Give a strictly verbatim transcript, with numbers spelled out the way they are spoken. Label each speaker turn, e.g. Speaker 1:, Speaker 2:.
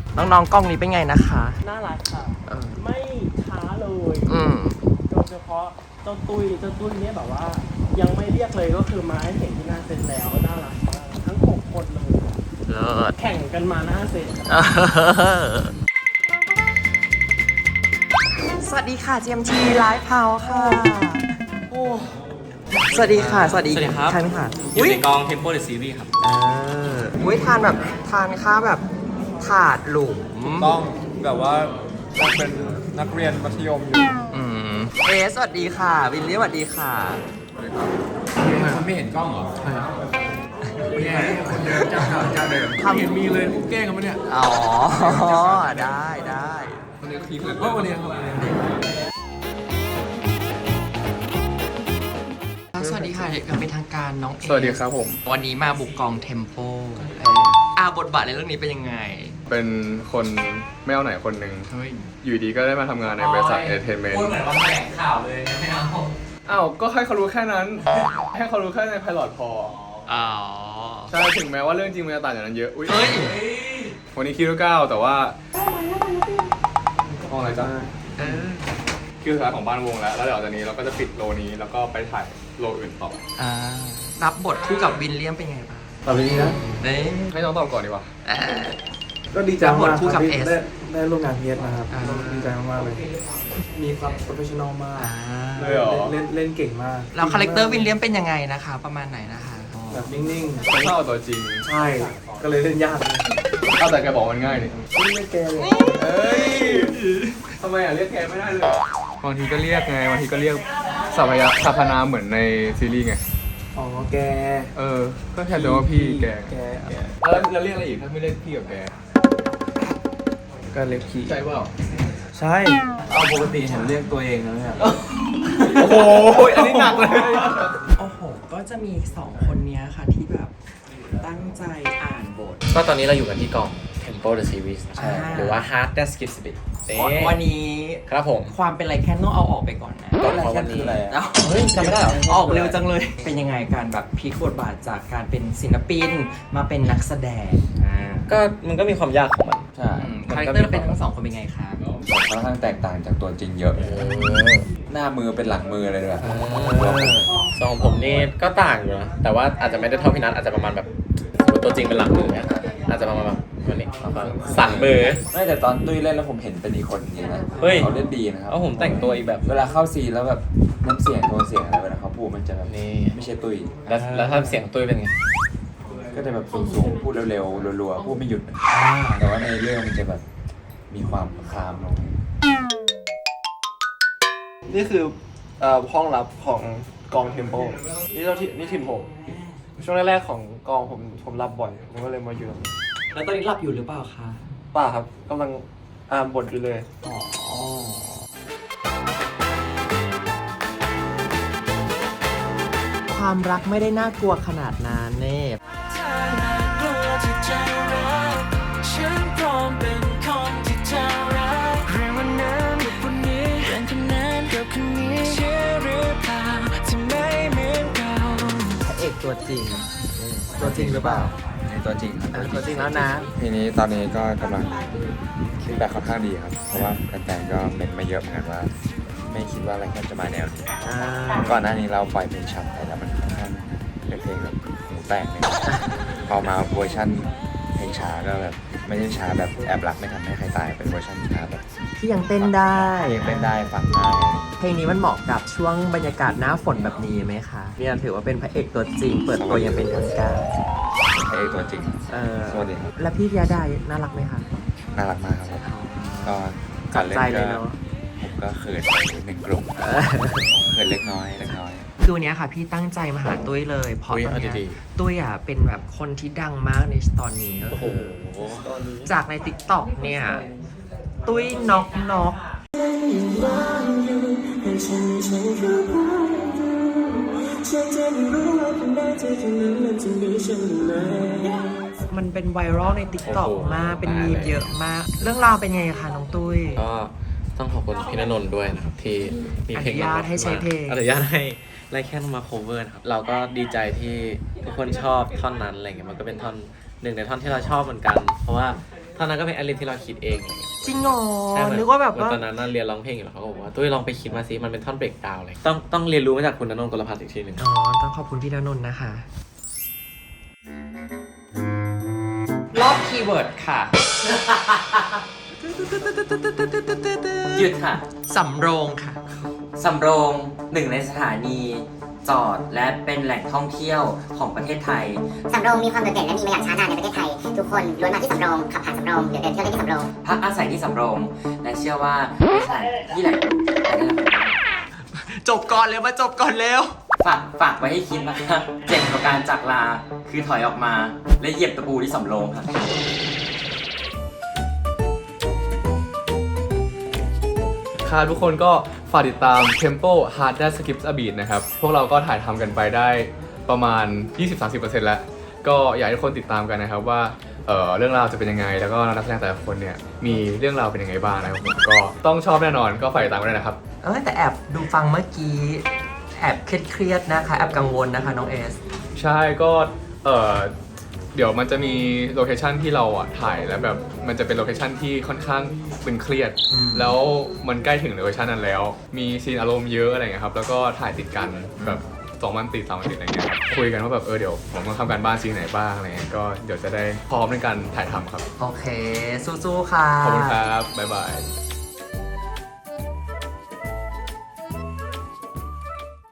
Speaker 1: น้องๆกล้องนี้เป็นไงนะคะ
Speaker 2: น่ารักค่ะไม่ช้าเลย
Speaker 1: อืม
Speaker 2: โดยเฉพาะเจ้าตุ้ยเจ้าตุ้ยเนี่ยแบบว่า ยังไม่เรียกเลยก็คือมาให้เห็นที่หน้าเซ็นแล้วน่ารักมากทั้งหกคนเลย
Speaker 1: เลิศ
Speaker 2: แข่งกันมาหน้าเซ็น
Speaker 1: สวัสดีค่ะ จี เอ็ม ที Live House ค่ะโอ้สวัสดีค่ะสวัสดีครับใช่ไหมคะ
Speaker 3: อยู่ในกอง Tempo the Series ครับ
Speaker 1: เอออุ้ยทานแบบทานข้าวแบบถาดหลุม
Speaker 4: ต้องแบบว่ายังเป็นนักเรียนมัธยมอยู่
Speaker 1: อืมเอสวัสดีค่ะวิลลี่สวัสดีค่ะ
Speaker 4: เขาไม่เห็นกล้องเหรอใช่เนี่ยคนเดิมเจ้าเก่าเจ้าเดิมไม่เห็นมีเลยพวกแกล้งกันมั้ยเนี่ย
Speaker 1: อ๋อได้ได้
Speaker 4: วันนี้ทีมเลยว่าวันนี้ครับ
Speaker 1: สวัสดีค่ะอย่างเป็นทางการน้องเอ
Speaker 4: สวัสดีครับผม
Speaker 1: วันนี้มาบุกกองเทมโปอาบทบาทในเรื่องนี้เป็นยังไง
Speaker 4: เป็นคนไม่เอาไหนคนหนึ่งอยู่ดีก็ได้มาทำงานในบริษัทเอเทนเมนต์
Speaker 3: พูดเหมือนว่าแถลงข่าวเลยไม่เอา
Speaker 4: อ้าวก็ให้เขารู้แค่นั้นให้เขารู้แค่ในไพลอตพอ
Speaker 1: อ๋อ
Speaker 4: ใช่ถึงแม้ว่าเรื่องจริงมันจะต่างจากนั้นเยอะอุ้ย
Speaker 1: เฮ้ย
Speaker 4: วันนี้คิวเก้าแต่ว่าห้องอะไรจ๊ะคิวสุดท้ายของบ้านวงแล้วแล้วเดี๋ยวจากนี้เราก็จะปิดโลนี้แล้วก็ไปถ่ายโลอื่นต่อ
Speaker 1: อ่ารับบทคู่กับวินเลียมเป็นไงบ้าง
Speaker 4: ตอบดีนะ
Speaker 1: เนี่ย
Speaker 4: ให้น้องตอบก่อนดีกว่า
Speaker 5: ก็ดีใจมากครับที่ได้ได้ร่วมงานพีเอสนะครับดีใจมากๆเลยมีความโปรเฟชชั่นอลมาก
Speaker 4: เลยเหรอ
Speaker 5: เล่นเล่นเก่งมาก
Speaker 1: แล้วคาแรคเตอร์วินเลียมเป็นยังไงนะคะประมาณไหนนะคะ
Speaker 5: แบบนิ่ง
Speaker 4: ๆเท่าตัวจริง
Speaker 5: ใช่ก็เลยเล่นยาก
Speaker 4: เอาแต่แกบอกมันง่ายนี่
Speaker 5: ไม่แกเลย
Speaker 4: เอ้ยทำไมอ่ะเรียกแกไม่ได้เลยบางทีก็เรียกไงบางทีก็เรียกสัพยาสัพนามเหมือนในซีรีส์ไง
Speaker 5: อ๋อแก
Speaker 4: เออก็แค่เรียกว่าพี่แกแกแล้วแล้วเรียกอะไรอีกถ้าไม่เรียกพี่กับแก
Speaker 5: ก็เรียกพี่
Speaker 4: ใช่เปล่า
Speaker 5: ใช่เอาปกติเห็นเรียกตัวเองนะเนี่ย
Speaker 4: โอ้โหอันนี้หนักเลย
Speaker 1: โอ้โหก็จะมีสองคนนี้ค่ะที่แบบตั้งใจอ่านบท
Speaker 3: ก็ตอนนี้เราอยู่กันที่กอง Tempo the Series ใช่หรือว่า Hard That Skips a Bit
Speaker 1: วันนี้
Speaker 3: ครับผม
Speaker 1: ความเป็นไรแค่ต้องเอาออกไปก่อนนะ
Speaker 3: ก็เพราะวันนี้
Speaker 1: เฮ้ยจำไม่ได้หรอออกเร็วจังเลยเป็นยังไงการแบบพลิกบทบาทจากการเป็นศิลปินมาเป็นนักแสดง
Speaker 3: ก็มันก็มีความยากของมัน
Speaker 1: ใช่คาแรคเตอร์เป็นทั้งสองคนเป็นไงคะ
Speaker 6: ค่อนข้างแตกต่างจากตัวจริงเยอะหน้ามือเป็นหลังมืออะไรด้วย
Speaker 3: สองผมนี่ก็ต่างอยู่นะแต่ว่าอาจจะไม่ได้เท่าพี่นัทอาจจะประมาณแบบตัวจริงเป็นหลังมือเนี่ยอาจจะประมาณแบบวันนี้สั่นมือ
Speaker 6: ไม่แต่ตอนตุ้ยเล่นแล้วผมเห็นเป็นอีกคนจริงนะเขาเล่นดีนะครับ
Speaker 3: เพราะผมแต่งตัวอีกแบบ
Speaker 6: เวลาเข้าซีแล้วแบบน้ำเสียงโทนเสียงอะไรเวลาเขาพูดมันจะแบบนี้ไม่ใช่ตุ้ย
Speaker 3: แล้วแล้วถ้าเสียงตุ้ยเป็นไง
Speaker 6: ก็จะแบบสูงๆพูดเร็วๆรัวๆพูดไม่หยุดแต่ว่าในเรื่องมันจะแบบมีความคลามลง
Speaker 5: นี่คือห้องลับของกองเทมโปนี่เราที่นี่ทีมผมช่วงแรกๆของกองผมผมรับบ่อยผมก็เลยมาอยู่ตรงนี้
Speaker 1: แล้วตอนนี้หลับอยู่หรือเปล่าคะ
Speaker 5: ป้าครับกำลังอ่านบทอยู่เลยอ๋อ
Speaker 1: ความรักไม่ได้น่ากลัวขนาดนั้นเน่ตัวจริงตัวจริงหรือเปล่า
Speaker 6: ตัวจริงครับ
Speaker 1: ตัวจริงแล้วนะ
Speaker 6: ทีนี้ตอนนี้ก็กำลังคิดแบบค่อนข้างดีครับเพราะว่าแฟนๆก็เมนมาเยอะเหมือนกันว่าไม่คิดว่าอะไรแค่จะมาแนวนี้ก่อนหน้านี้เราปล่อยเพลงช้ำไปแล้วมันค่อนข้างเป็นเพลงแบบหูแตกเลยพอมาเวอร์ชันเพลงช้าก็แบบไม่ใช่ช้าแบบแอบรักไม่ทำให้ใครตายเป็นเวอร์ชันช้าแบบ
Speaker 1: ที่ยังเต้นได้
Speaker 6: ยังเต้นได้ฟังง่าย
Speaker 1: เพลงนี้มันเหมาะกับช่วงบรรยากาศหน้าฝนแบบนี้ไหมคะเนี่ยถือว่าเป็นพระเอกตัวจริงเปิดตัวยังเป็นทางการ
Speaker 6: พระเอกตัวจริง
Speaker 1: เออ
Speaker 6: สวัสดีครับ
Speaker 1: แล้วพี่พิยดาน่ารักไหมคะ
Speaker 6: น่ารักมากครับก็
Speaker 1: การเล่นก็
Speaker 6: ผมก็เขินหนึ่งกลุ่มเขินเล็กน้อยเล็กน้อย
Speaker 1: คือวันนี้ค่ะพี่ตั้งใจมาหาตุ้ยเลยเพราะตอนนี้ตุ้ยอ่ะเป็นแบบคนที่ดังมากในตอนนี้ก็คือจากใน ติ๊กต็อก เนี่ยตุ้ยน็อกน็อกมันเป็นไวรัลใน ติ๊กต็อก มากเป็นมีมเยอะมากเรื่องราวเป็นไงคะน้องตุ้ย
Speaker 3: ก็ต้องขอบคุณพี่ณนนท์ด้วยนะครับที่มีเพลง
Speaker 1: อนุญาตให้ใช้เพลง
Speaker 3: อนุญาตให้ไล่แค่มา cover นะครับเราก็ดีใจที่ทุกคนชอบท่อนนั้นอะไรเงี้ยมันก็เป็นท่อนหนึ่งในท่อนที่เราชอบเหมือนกันเพราะว่าทตอนนั้นก็เป็นแอลินที่เราคิดเองอะไรเงี้ย
Speaker 1: จริงเหรอ
Speaker 3: ใช่เหมือ
Speaker 1: นึกว่าแบบว่า
Speaker 3: ตอนนั้นน่ะเรียนร้องเพลงอยู่แล้วเขาก็บอกว่าตุ้ยลองไปคิดมาสิมันเป็นท่อนเบรกดาวน์เลยต้องต้องเรียนรู้มาจากคุณณนนท์กลพัฒน์อีกทีหนึ่ง
Speaker 1: อ๋อ ต้องขอบคุณพี่ณนนท์นะคะ รอบคีย์เวิร์ดค่ะ
Speaker 7: หยุดค่ะ
Speaker 1: สำโรงค่ะ
Speaker 7: สำโรงหนึ่งในสถานีจอดและเป็นแหล่งท่องเที่ยวของประเทศไทย
Speaker 8: สำโรงมีความโดดเด่นและมีมาอย่างช้านานในประเทศไทย ทุกคนล้วนมาที่สำโรงขับผ่านสำโรงเดินเดินเที่ยวเล่นที่สำโรง
Speaker 7: พักอาศัยที่สำโรง และเชื่อว่าเป็นสถานที่แหล่ง
Speaker 1: จบก่อนเร็วมาจบก่อนเร็ว
Speaker 7: ฝากฝากไว้ให้คิดนะคะเจ็บกับการจากลาคือถอยออกมาและเหยียบตะปูที่สำโรงครับ
Speaker 4: ค่ะทุกคนก็ฝากติดตาม Tempo Hard That Skips a Beat นะครับ พวกเราก็ถ่ายทำกันไปได้ประมาณ ยี่สิบถึงสามสิบเปอร์เซ็นต์ แล้ว ก็อยากให้ทุกคนติดตามกันนะครับว่าเอ่อเรื่องราวจะเป็นยังไง แล้วก็นักแสดงแต่ละคนเนี่ยมีเรื่องราวเป็นยังไงบ้างนะครับผมก็ต้องชอบแน่นอนก็ฝากติดตามกันด้วยนะครับ
Speaker 1: เออแต่แอบดูฟังเมื่อกี้ แอบเครียดๆนะคะ แอบกังวลนะคะน้องเอส
Speaker 4: ใช่ก็เออเดี๋ยวมันจะมีโลเคชันที่เราอ่ะถ่ายแล้วแบบมันจะเป็นโลเคชันที่ค่อนข้างตึงเครียด
Speaker 1: อืม
Speaker 4: แล้วมันใกล้ถึงโลเคชันนั้นแล้ว มีซีนอารมณ์เยอะอะไรเงี้ยครับแล้วก็ถ่ายติดกันแบบสองวันติดสามวันติดอะไรเงี้ยครับคุยกันว่าแบบเออเดี๋ยวผมต้องทำการบ้านซีนไหนบ้างอะไรเงี้ยก็เดี๋ยวจะได้พร้อมในการถ่ายทำครับ
Speaker 1: โอเค สู้ๆค่ะ
Speaker 4: ขอบคุณครับบ๊ายบาย